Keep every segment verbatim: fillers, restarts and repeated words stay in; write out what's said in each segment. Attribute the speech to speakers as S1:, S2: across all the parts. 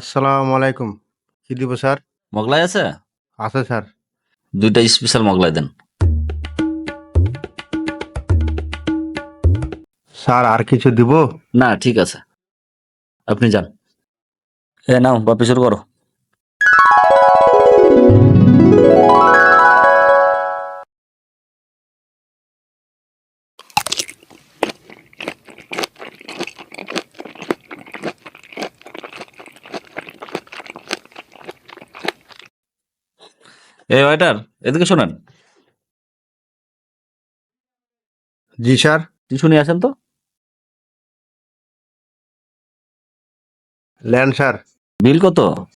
S1: আসসালামু আলাইকুম। কি দিব স্যার?
S2: মোগলাই আছে?
S1: আছে স্যার।
S2: দুইটা স্পেশাল মোগলাই দেন।
S1: স্যার আর কিছু দিব?
S2: না ঠিক আছে, আপনি যান। এ নাও বাপি শুরু করো। এই ওয়েটার, এদিকে শোনেন।
S1: জি স্যার।
S2: টিস্যু নিয়ে আসেন তো।
S1: Lane sir.
S2: বিল কত?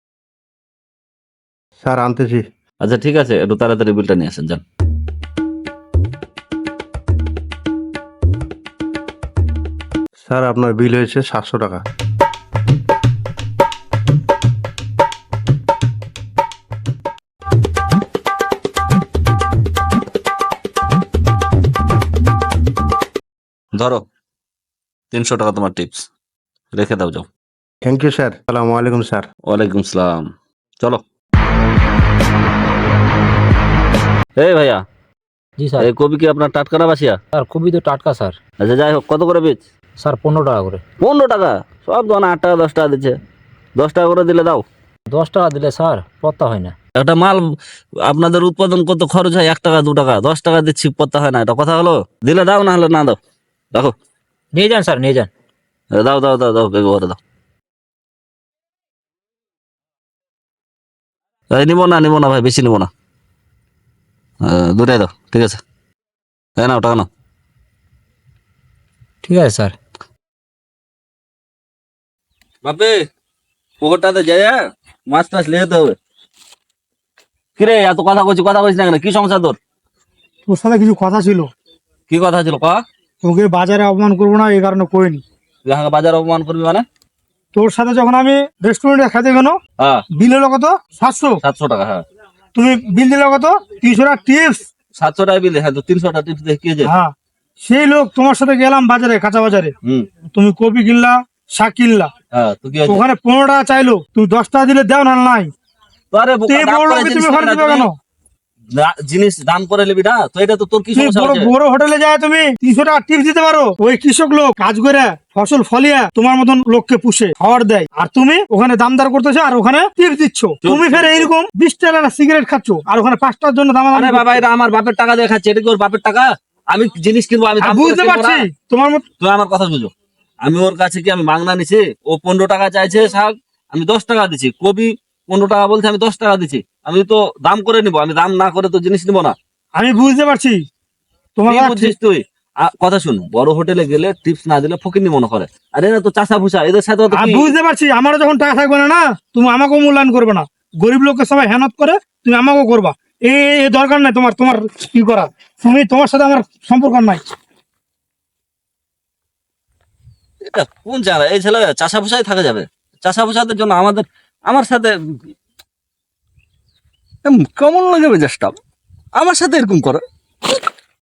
S1: স্যার আনতেছি।
S2: আচ্ছা ঠিক আছে, একটু তাড়াতাড়ি বিলটা নিয়ে আসেন, যান।
S1: স্যার আপনার বিল হয়েছে সাতশো টাকা।
S2: ধরো, তিনশো টাকা তোমার টিপস, রেখে দাও, যাও।
S1: Thank you sir. আসসালামু আলাইকুম স্যার।
S2: ওয়ালাইকুম সালাম। চলো। এই ভাইয়া,
S3: জি স্যার।
S2: এই কবি কি আপনার টাটকা না বাসিয়া?
S3: স্যার খুবই তো টাটকা স্যার।
S2: আচ্ছা যাই হোক, কত করে পিস?
S3: স্যার পনেরো টাকা করে।
S2: পনেরো টাকা? সব দোকানে আট টাকা দশ টাকা দিচ্ছে, দশ টাকা করে দিলে দাও।
S3: দশ টাকা দিলে স্যার পত্তা হয় না।
S2: একটা মাল আপনাদের উৎপাদন কত খরচ হয়, এক টাকা দু টাকা, দশ টাকা দিচ্ছি পত্তা হয় না, এটা কথা হলো? দিলে দাও, না হলে না দাও। দেখো,
S3: নিয়ে যান স্যার, নিয়ে যান।
S2: দাও দাও দাও দাও, বেগ করে দাও। এই নিবো না, নিবো না ভাই, বেশি নিবো না, দূরে দাও, ঠিক আছে। হ্যাঁ নাও, টাকা নাও।
S3: ঠিক আছে স্যার।
S2: বাপে, পুকুরটাতে যাই, মাছ টাছ নিয়ে যেতে হবে। কিরে এত কথা বলছি, কথা বলছি না কেন? কি সমস্যা তোর?
S4: তোর সাথে কিছু কথা ছিল।
S2: কি কথা ছিল ক?
S4: তোকে বাজারে অপমান করবো না এই কারণে কইনি।
S2: যাহাকে বাজার অপমান করবি মানে?
S4: তোর সাথে যখন আমি রেস্টুরেন্টে খেতে গেল,
S2: হ্যাঁ,
S4: বিল হলো কত? সাতশো।
S2: সাতশো টাকা। হ্যাঁ,
S4: তুমি বিল দিলে কত? তিনশো টাকা টিপস।
S2: সাতশো টাকা বিল। হ্যাঁ, তো তিনশো টাকা টিপস দিয়ে কি হয়েছে?
S4: হ্যাঁ, সেই লোক তোমার সাথে গেলাম বাজারে, কাঁচা বাজারে,
S2: হুম,
S4: তুমি কপি কিনলা, শাক কিনলা,
S2: হ্যাঁ, তো কি হয়েছে?
S4: ওখানে পনেরো টাকা চাইলো, তুমি দশ টাকা দিলে দাও না নাই।
S2: তো আরে বোকা,
S4: তে
S2: দাম
S4: বড়
S2: করে
S4: লোককে
S2: জিনিস
S4: তুমি
S2: কিনি
S4: ঘরে
S2: না
S4: দিবে
S2: তুমি?
S4: কেন?
S2: দা- জিনিস দাম করে নিবি না তো, এটা তো তোর কি
S4: তুমি
S2: সমস্যা
S4: বড়
S2: হচ্ছে?
S4: বড় হোটেলে যায় তুমি তিনশো টাকা টিপস দিতে পারো। ওই কৃষক লোক কাজ করে ফসল ফলিয়ে তোমার মতন লোককে পুষে খাওয়ার দেয়, আর তুমি ওখানে দামদার করতেছো আর ওখানে টিপস দিচ্ছ। তুমি ফের এইরকম বিশ টাকা সিগারেট খাচ্ছ আর ওখানে পাঁচ টাকার জন্য দাম
S2: আরে বাবা, এটা আমার বাপের টাকা দিয়ে খাচ্ছে, এটা কি ওর বাপের টাকা? আমি জিনিস কিনবো, আমি দাম করে
S4: বুঝতে
S2: কিনবো
S4: পারছি
S2: না?
S4: তোমার মত।
S2: তুই আমার কথা বুঝো। আমি ওর কাছে কি আমি মাংনা নিছি? ও পনেরো টাকা চাইছে শাক, আমি দশ টাকা দিচ্ছি। কবি পনেরো টাকা বলছে, আমি দশ টাকা দিচ্ছি। আমি তো দাম করে নিবো, আমি দাম না করে তো জিনিস নিবো না।
S4: আমি বুঝতে পারছি তোমার
S2: কি
S4: কথা
S2: বুঝছিস
S4: ঠিক।
S2: তুই? আ, কথা শুন, বড় হোটেলে গেলে টিপস না দিলে ফকিন্নি মনে করে। আরে না তো চাষা ভুষা, এদের সাথে তো
S4: আমি
S2: কি?
S4: বুঝতে পারছি আমারও যখন টাকা থাকবে না, না তুমি আমাকেও মূল্যায়ন করবে না। গরিব লোককে সবাই হেনত করে, তুমি আমাকেও করবা। এই এই দরকার নাই তোমার তোমার কি করা। তুমি তোমার সাথে আমার সম্পর্ক নাই।
S2: এটা কোন জায়গা? এই ছেলে চাষা ভুষাই থাকা যাবে? চাষা ভুষাদের জন্য আমাদের, আমার সাথে এম, কেমন লাগে মেজাজটা? আমার সাথে এরকম করে?